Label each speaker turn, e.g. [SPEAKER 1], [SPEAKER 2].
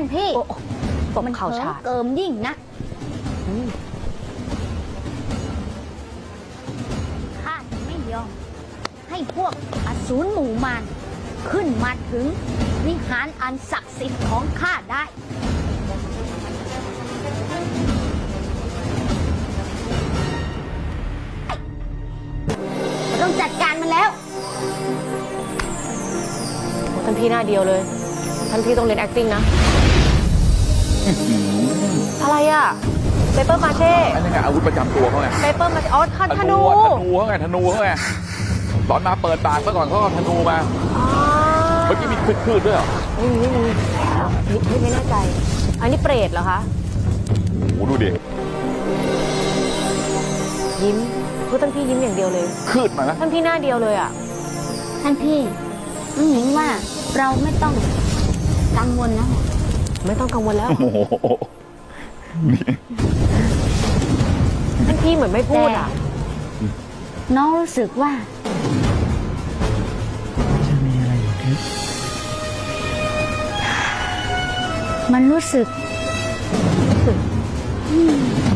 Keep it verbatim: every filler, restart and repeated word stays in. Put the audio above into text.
[SPEAKER 1] พี่ตบ
[SPEAKER 2] มัน
[SPEAKER 1] เข่า
[SPEAKER 2] เหิ
[SPEAKER 1] ฉาม ด
[SPEAKER 2] เกิมยิ่งนะข้าจะไม่ยอมให้พวกอสูรหมู่มารขึ้นมาถึงวิหารอันศักดิ์สิทธิ์ของข้าได้ต้องจัดการมันแล้ว
[SPEAKER 1] ท่านพี่หน้าเดียวเลย ท่านพี่ต้องเรียน acting นะ อะไรอ่ะเปเปอร์มาเช่
[SPEAKER 3] อันนี้ไงอาวุธประจำตัวเขาไง
[SPEAKER 1] เปเปอร์มาเช่อ๋อธ
[SPEAKER 3] ธ
[SPEAKER 1] นู
[SPEAKER 3] นูอะธนูเขาไงธนูเขาไงตอนมาเปิดปากเมื่อก่อนเขาเอาธนูมา
[SPEAKER 1] อ๋อ
[SPEAKER 3] เมื่อกี้มีคืดๆด้วยเหรอ
[SPEAKER 1] ไม่มีไม่มีไม่ไม่แน่ใจ อันนี้เปรตเหรอคะ
[SPEAKER 3] โอ้โหดูดิ
[SPEAKER 1] ยิ้มคือท่านพี่ยิ้มอย่างเดียวเลย
[SPEAKER 3] คืดมานะ
[SPEAKER 1] ท่านพี่หน้าเดียวเลยอ่ะ
[SPEAKER 2] ท่านพี่น้องหญิงว่าเราไม่ต้องกังวลแล้ว
[SPEAKER 1] ไม่ต้องกังวลแล้ว
[SPEAKER 3] โอ้โหนี่
[SPEAKER 1] ท่านพี่เหมือนไม่พูดอ่ะ
[SPEAKER 2] น้องรู้สึกว่า
[SPEAKER 4] จะมีอะไรอยู่ทิพย์
[SPEAKER 2] มันรู้สึก
[SPEAKER 4] ทำ